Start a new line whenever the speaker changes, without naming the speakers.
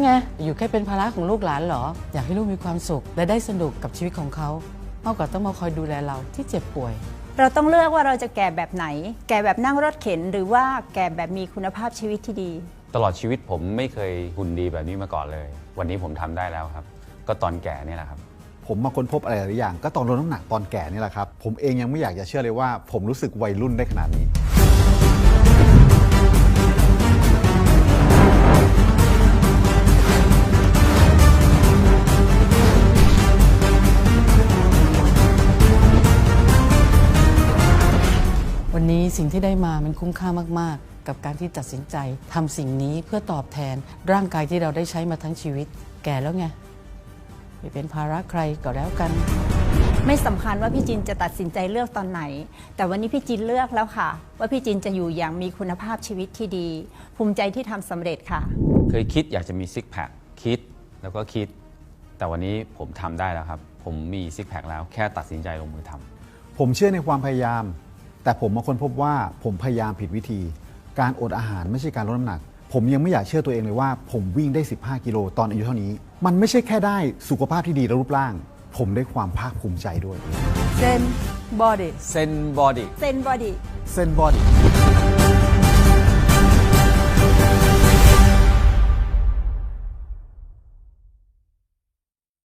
ไงอยู่แค่เป็นภาระของลูกหลานเหรออยากให้ลูกมีความสุขและได้สนุกกับชีวิตของเขามากกว่าต้องมาคอยดูแลเราที่เจ็บป่วย
เราต้องเลือกว่าเราจะแก่แบบไหนแก่แบบนั่งรถเข็นหรือว่าแก่แบบมีคุณภาพชีวิตที่ดี
ตลอดชีวิตผมไม่เคยหุ่นดีแบบนี้มาก่อนเลยวันนี้ผมทำได้แล้วครับก็ตอนแก่นี่แหละครับ
ผมมาค้นพบอะไรหลายอย่างก็ตอนลดน้ำหนักตอนแก่นี่แหละครับผมเองยังไม่อยากจะเชื่อเลยว่าผมรู้สึกวัยรุ่นได้ขนาดนี้
วันนี้สิ่งที่ได้มามันคุ้มค่ามากๆกับการที่ตัดสินใจทำสิ่งนี้เพื่อตอบแทนร่างกายที่เราได้ใช้มาทั้งชีวิตแก่แล้วไงไม่เป็นภาระใครก็แล้วกัน
ไม่สำคัญว่าพี่จินจะตัดสินใจเลือกตอนไหนแต่วันนี้พี่จินเลือกแล้วค่ะว่าพี่จินจะอยู่อย่างมีคุณภาพชีวิตที่ดีภูมิใจที่ทำสำเร็จค่ะ
เคยคิดอยากจะมีซิกแพคคิดแล้วก็คิดแต่วันนี้ผมทำได้แล้วครับผมมีซิกแพคแล้วแค่ตัดสินใจลงมือทำ
ผมเชื่อในความพยายามแต่ผมมาค้นพบว่าผมพยายามผิดวิธีการอดอาหารไม่ใช่การลดน้ำหนักผมยังไม่อยากเชื่อตัวเองเลยว่าผมวิ่งได้15 กิโลตอนอายุเท่านี้มันไม่ใช่แค่ได้สุขภาพที่ดีและรูปร่างผมได้ความภาคภูมิใจด้วย
เซนบอดี้
เซนบอดี้
เซนบอดี้
เซนบอดี้